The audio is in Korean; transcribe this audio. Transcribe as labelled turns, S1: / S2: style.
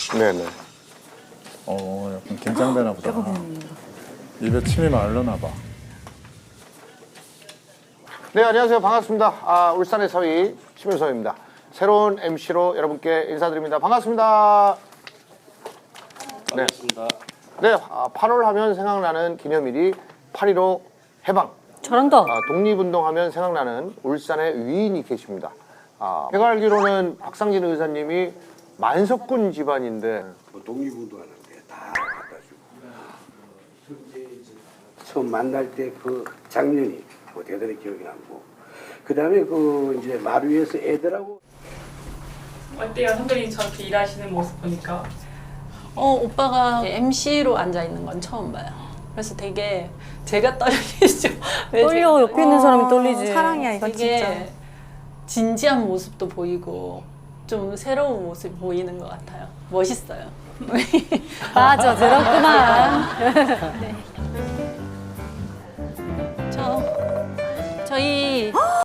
S1: 네네.
S2: 약간 긴장되나 보다. 입에 침이 마르나 봐.
S1: 네, 안녕하세요. 반갑습니다. 울산의 서희 심윤서입니다. 새로운 MC로 여러분께 인사드립니다. 반갑습니다.
S3: 반갑습니다.
S1: 네, 8월 하면 생각나는 기념일이 8.15 해방.
S4: 잘한다.
S1: 독립운동하면 생각나는 울산의 위인이 계십니다. 제가 알기로는 박상진 의사님이 만석군 집안인데
S5: 독립운동하는데 다 갖다 주고 처음 만날 때 그 장면이 대단히 기억이 남고 그 다음에 그 이제 마루 위에서 애들하고
S6: 어때요? 선배님 저렇게 일하시는 모습 보니까?
S4: 오빠가 MC로 앉아 있는 건 처음 봐요. 그래서 되게 제가 떨리죠.
S7: 떨려. 옆에 있는 사람이 떨리지.
S4: 사랑이야 이거 되게 진짜. 진지한 모습도 보이고 좀 새로운 모습이 보이는 것 같아요. 멋있어요.
S7: 맞아, 들었구만.